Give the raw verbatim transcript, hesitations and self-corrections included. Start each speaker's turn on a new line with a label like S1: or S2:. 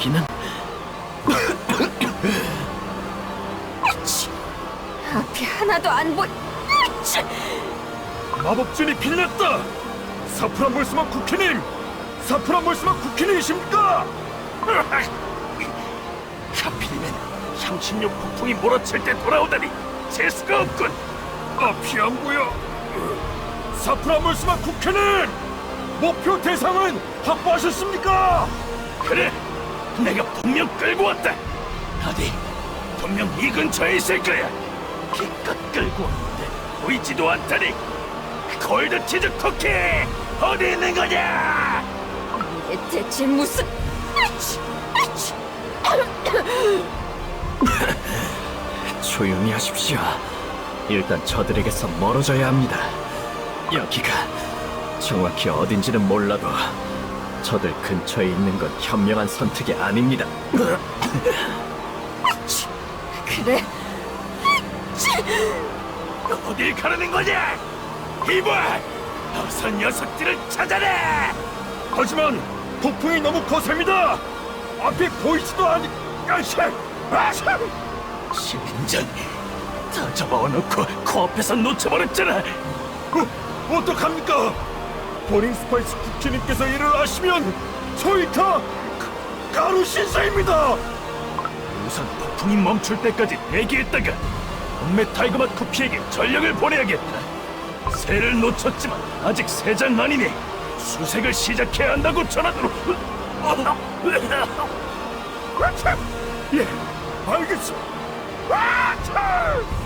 S1: 여기는
S2: 아치! 앞이 하나도 안 보이. 아치!
S3: 마법진이 빌렸다! 사프란볼스만 쿠키님! 사프란볼스만 쿠키님이십니까?
S1: 하필이면 향신료 폭풍이 몰아칠 때 돌아오다니 재수가 없군.
S3: 앞이 안 보여. 사프란볼스만 쿠키님! 목표 대상은 확보하셨습니까?
S1: 그래, 내가 분명 끌고 왔다. 어디, 분명 이 근처에 있을 거야. 기껏 끌고 왔는데 보이지도 않다니. 골드 치즈 쿠키 어디 있는 거냐?
S2: 이게 대체 무슨... 아치! 아치!
S1: 조용히 하십시오. 일단 저들에게서 멀어져야 합니다. 여기가 정확히 어딘지는 몰라도 저들 근처에 있는 건 현명한 선택이 아닙니다.
S2: 아치! 그래. 아치!
S1: 어딜 가려는 거냐? 이봐! 어서 녀석들을 찾아내!
S3: 하지만 폭풍이 너무 거셉니다! 앞이 보이지도 않니... 아씨! 아씨!
S1: 신전 다 잡아놓고 코앞에서 놓쳐버렸잖아.
S3: 어, 어떡합니까? 버닝 스파이스 쿠키님께서 이를 아시면 저희 다 가- 가루 신사입니다!
S1: 우선 폭풍이 멈출 때까지 대기했다가 동메 타이거맛 쿠키에게 전력을 보내야겠다. 새를 놓쳤지만 아직 새장 아니니 수색을 시작해야 한다고 전하도록.
S3: 예, 알겠습니다. 아, 참!